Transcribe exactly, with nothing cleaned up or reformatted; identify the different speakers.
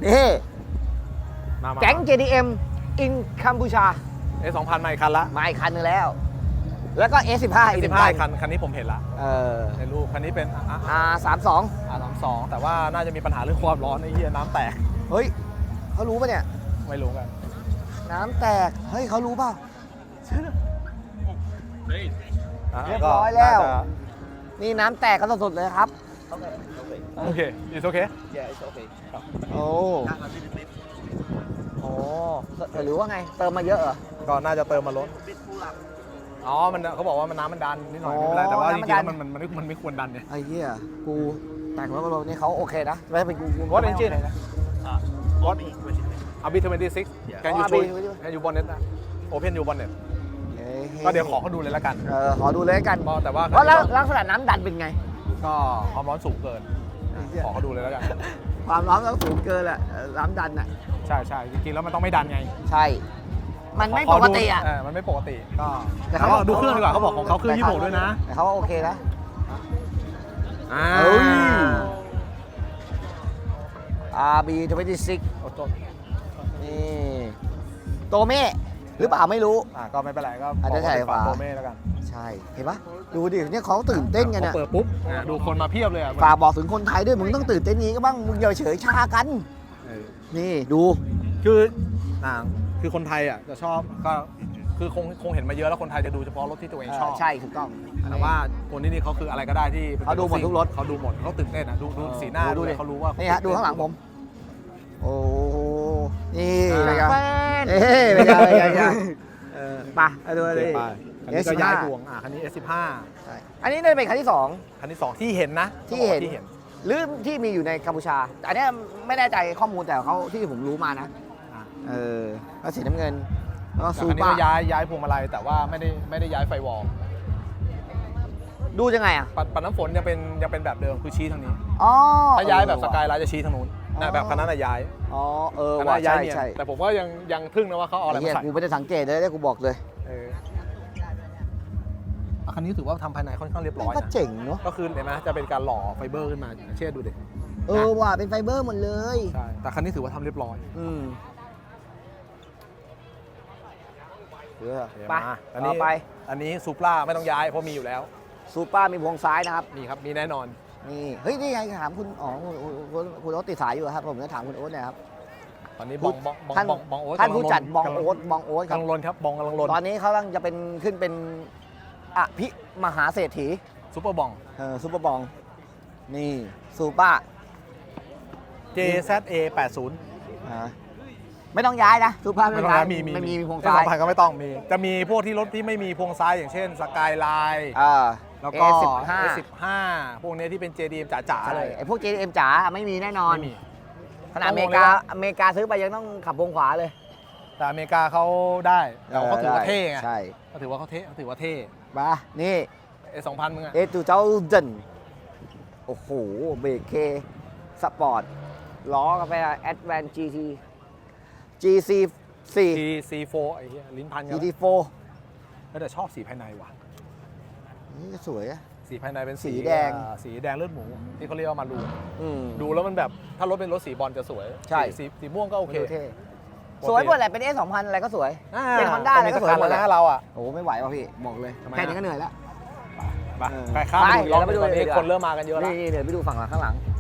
Speaker 1: นี่
Speaker 2: มามา
Speaker 1: แก๊ง เจ ดี เอ็ม in กัมพูชา
Speaker 2: เอสสองพันมาอีกคันละ
Speaker 1: มาอีกคันนึงแล้ว แล้วก็ เอส สิบห้า อีกห
Speaker 2: สิ
Speaker 1: นึ่
Speaker 2: บ
Speaker 1: ง
Speaker 2: ห้า
Speaker 1: คัน
Speaker 2: คันคันนี้ผมเห็นละ
Speaker 1: เออ
Speaker 2: ในรูปคันนี้เป็น
Speaker 1: อาร์ สามสิบสอง
Speaker 2: อาร์สามสองแต่ว่าน่าจะมีปัญหาเรื่องความร้อนไอ้เหี้ยน้ำแตก
Speaker 1: เฮ้ยเขารู้ป่ะเนี่ย
Speaker 2: ไม่รู้กัน
Speaker 1: น้ำแตก เฮ้ยเขารู้เปล่า
Speaker 2: ะ
Speaker 1: เรียบร้อยแล้ว
Speaker 2: ก็น่าจะ
Speaker 1: นี่น้ำแตกกันสดๆเลยครับ
Speaker 2: โอเค it's okay
Speaker 1: โอ้โหหรือว่าไง เติมมาเยอะเหรอ
Speaker 2: ก็น่าจะเติมมาลดอ๋อมันเขาบอกว่ามันน้ำมันดันนิดหน่อย
Speaker 1: อ๋อ
Speaker 2: ไม่เป็นไรแต่ว่าจ
Speaker 1: น้ำมัน
Speaker 2: ริงๆ
Speaker 1: ดั
Speaker 2: แล้ว
Speaker 1: น
Speaker 2: มันมันมันมันไม่ควรดันเนี่ย
Speaker 1: ไอ้เหี้ย กูแต่งรถกับรถนี่เขาโอเคนะ ไม่เป็นกูกู
Speaker 2: What
Speaker 1: ไม่
Speaker 2: engine
Speaker 1: โอเคนะ
Speaker 2: What อาร์ บี ยี่สิบหก Can you
Speaker 1: Oh,
Speaker 2: show
Speaker 1: R B
Speaker 2: Can you bonnet นะ Open you bonnet
Speaker 1: เฮ้
Speaker 2: ก็เดี๋ยวขอเขาดูเลยละกัน
Speaker 1: เออขอดูเลยละกัน
Speaker 2: ก็แต่ว่า
Speaker 1: ว่าแล้วลักษณะน้ำดันเป็นไง
Speaker 2: ก็ความร้อนสูงเกิน ขอเขาดูเลยแล้วกัน
Speaker 1: ความร้อนต้องสูงเกินแหละเออน้ำดันอ่ะ
Speaker 2: ใช่ใช่จริงๆแล้วมันต้องไม่ดันไง
Speaker 1: ใช่ มันไม่
Speaker 2: ข
Speaker 1: ป
Speaker 2: ดู
Speaker 1: กติอ่ะ
Speaker 2: เมันไม่ปกติก็
Speaker 1: แต่
Speaker 2: แต่
Speaker 1: เขา
Speaker 2: เขาดูเครื่องดีกว่าเขาบอกของเขาเครื่องยี่สิบหกด้วยนะ
Speaker 1: แต่เขาว่าโอเคนะ
Speaker 2: อ่า
Speaker 1: เอ้ย อาร์ บี ยี่สิบหก
Speaker 2: โอ้โห
Speaker 1: นี่โตเม่หรือเปล่าไม่รู้
Speaker 2: อ่าก็ไม่เป็นไรก็
Speaker 1: อาจจะใส่ฝา
Speaker 2: โตเม่แล้วกัน
Speaker 1: ใช่ เห็นปะดูดิเนี่ยเขาตื่นเต้นกัน
Speaker 2: พ
Speaker 1: อ่ะ
Speaker 2: อเปิดปุ๊บอ่าดูคนมาเพียบเลยอ่ะ
Speaker 1: ฝากบอกถึงคนไทยด้วยมึงต้องตื่นเต้นนี้ก็บ้างมึงอย่าเฉยชากัน
Speaker 2: เออ
Speaker 1: นี่ดู
Speaker 2: คืออ่าคือคนไทยอ่ะจะชอบก็คือคงคงเห็นมาเยอะแล้วคนไทยจะดูเฉพาะรถที่ตัวเองชอบ
Speaker 1: ใช่ถูกต้อง
Speaker 2: แต่ว่าคนที่นี่เขาคืออะไรก็ได้ที่ป็น
Speaker 1: เขาดูหมดทุกรถ
Speaker 2: เขาดูหมดเขาตื่นเต้นอ่ะดูดูสีหน้า
Speaker 1: โอ้
Speaker 2: ดู
Speaker 1: ดิ
Speaker 2: เขารู้ว่า
Speaker 1: นี่ฮะดูข้างหลังผม โอ้โหนี่
Speaker 2: อ่า
Speaker 1: เป็นไง
Speaker 2: แฟน
Speaker 1: เอ้ยเป็นไงเป็นไงเป็นไงเออไปไปดู
Speaker 2: โอ
Speaker 1: เล
Speaker 2: เค
Speaker 1: ย
Speaker 2: ไปคันนี้ก็ย้ายพวงอ่ะคันนี้ เอส สิบห้า
Speaker 1: ใช่อันนี้น่าจะเป็นคันที่สอง
Speaker 2: คันที่สองที่เห็นนะ
Speaker 1: ที่เห็น
Speaker 2: ที่เห็น
Speaker 1: หรือที่มีอยู่ในกัมพูชาแต่อันเนี้ยไม่แน่ใจข้อมูลแต่เขาที่ผมรู้มานะ
Speaker 2: อ่ะ
Speaker 1: เออแล้วสีน้ำเงินแล้วก็
Speaker 2: แต่
Speaker 1: ซู
Speaker 2: คันนี้
Speaker 1: เปอ
Speaker 2: ก็
Speaker 1: ร์
Speaker 2: ย้ายย้ายพวงมาลัยแต่ว่าไม่ได้ไม่ได้ย้ายไฟวอล
Speaker 1: ดูยังไงอ่ะ
Speaker 2: ปัดปัดน้ำฝนยังเป็นยังเป็นแบบเดิมคือชี้ทางนี้
Speaker 1: อ๋อ
Speaker 2: ถ้าย้ายแบบ
Speaker 1: เออ
Speaker 2: ส
Speaker 1: ว่ะ
Speaker 2: กายไลน์จะชี้ทางนู้น
Speaker 1: อ๋อ
Speaker 2: นะแบบคันนั้นน่ะย้าย
Speaker 1: อ๋อเออ
Speaker 2: คัน
Speaker 1: ว่ะ
Speaker 2: นั้นย้า
Speaker 1: ใช่
Speaker 2: ยเนียน
Speaker 1: ใช่
Speaker 2: แต่ผมก็ยังยังทึ่งนะว่าเขาเอาอะไร
Speaker 1: ไอ้เหี้
Speaker 2: มาย ใส่
Speaker 1: กูไม่ได้สังเกตเลยเนี่ยกูบอกเลย
Speaker 2: เอออ่ะคันนี้ถือว่าทำภายในค่อนข้างเรียบร้อย
Speaker 1: ก็
Speaker 2: นะ
Speaker 1: เจ๋งเนาะ
Speaker 2: ก็คือเห็นไหมจะเป็นการหล่อไฟเบอร์ขึ้นมาเช่ดูดิ
Speaker 1: เออว่ะเป็นไฟเบอร์หมดเลย
Speaker 2: ใช่แต่คันนี้ถือว่าทำเรียบร้อย
Speaker 1: อืมเออ
Speaker 2: โอเค
Speaker 1: ไป
Speaker 2: มาอัน
Speaker 1: ต่
Speaker 2: นี้
Speaker 1: อไป
Speaker 2: อันนี้ซูปราไม่ต้องย้ายเพราะมีอยู่แล้ว
Speaker 1: ซูเปอร์มีพวงซ้ายนะครับ
Speaker 2: มีครับมีแน่นอน
Speaker 1: นี่เฮ้ยนี่ไงถามคุณอ๋อคุณคุณคุณโอ๊ตติดสายอยู่ครับผมจะถามคุณโอ๊ตหนะครับ
Speaker 2: ตอนนี้บองบองบอง
Speaker 1: ท่าน
Speaker 2: บองบองโอ๊ต
Speaker 1: ท่าน
Speaker 2: กำลั
Speaker 1: ผู้จัด
Speaker 2: ลน
Speaker 1: บอง
Speaker 2: กำลั
Speaker 1: โอ๊ตบองโอ๊ตค
Speaker 2: กำ
Speaker 1: รับ
Speaker 2: ลังลนครับบองกำลังลน
Speaker 1: ตอนนี้เขากำลังจะเป็นขึ้นเป็นอภิมหาเศรษฐี
Speaker 2: ซูเปอร์บอง
Speaker 1: เออซูเปอร์บองนี่ซูเปอร์
Speaker 2: เจ แซด เอ แปดสิบ
Speaker 1: อ่าไม่ต้องย้ายนะซูเปอร์
Speaker 2: ไม่
Speaker 1: ไม่
Speaker 2: ต้
Speaker 1: ต้
Speaker 2: อ
Speaker 1: อง งย้าย
Speaker 2: นะมีมี
Speaker 1: ไม่มีพวง
Speaker 2: เอส
Speaker 1: ซ้า
Speaker 2: สอย งพันก็ไม่ต้องมี จะมีพวกที่รถที่ไม่มีพวงซ้ายอย่างเช่นสกายไลน์
Speaker 1: อ่า
Speaker 2: แล้วก็
Speaker 1: เอสิบห้า
Speaker 2: เอสิบห้าพวกนี้ที่เป็น เจ ดี เอ็ม จ๋าๆเลย
Speaker 1: ไอ้พวก เจ เอ็ม จ๋าไม่มีแน่นอน
Speaker 2: ไม่มี
Speaker 1: ขนาดอเมริกาอเมริกาซื้อไปยังต้องขับวงขวาเลย
Speaker 2: แต่อเมริกาเขาได้แต่เขาถือว่าเท่ไง
Speaker 1: ใช่
Speaker 2: เขาถือว่าเขาเท่เขาถือว่าเท่
Speaker 1: มานี่
Speaker 2: เอสองพันมึงอะ
Speaker 1: เอทูเจ้าเจนโอ้โหเบรกเคสปอร์ตล้อกาแฟแอดแวนจีทีจีซีสี่
Speaker 2: ที ซี โฟร์ ไอ้เหี้ยลิ้นพันกั
Speaker 1: จี
Speaker 2: น
Speaker 1: ทีโฟ
Speaker 2: แต่ชอบสีภายในว่ะ
Speaker 1: นี่ก็สวยอะ
Speaker 2: สีภายในเป็น
Speaker 1: สีแดง
Speaker 2: อ่าสีแดงเลือดหมูที่เขาเรียกว่ามารูน
Speaker 1: อืม
Speaker 2: ดูแล้วมันแบบถ้ารถเป็นรถสีบอลจะสวย
Speaker 1: ใช่
Speaker 2: สีสีสีม่วงก็โอเค
Speaker 1: ดูท่สวยหมดแหละเป็นเอสองพันอะไรก็สวย
Speaker 2: อ่า
Speaker 1: เป็น Honda อะไรก็สวยหมด
Speaker 2: ต้
Speaker 1: แห
Speaker 2: ง
Speaker 1: ละ
Speaker 2: นะเราอ่ะ
Speaker 1: โอ้ไม่ไหวว่ะพี่บอกเลย
Speaker 2: ทำไม
Speaker 1: แค่
Speaker 2: อะ
Speaker 1: นี้ก็เหนื่อยแล้ว
Speaker 2: ไป
Speaker 1: เออ
Speaker 2: ไปข้าม
Speaker 1: ไป
Speaker 2: ไปดูอีกรอบ
Speaker 1: เดี๋ยวเราไปดู
Speaker 2: ตอนนี้
Speaker 1: เลยดีกว่า
Speaker 2: คนเริ่มมากันเยอะแล้ว
Speaker 1: นี่เดี๋ยวไปดูฝั่งหลังข้างหลัง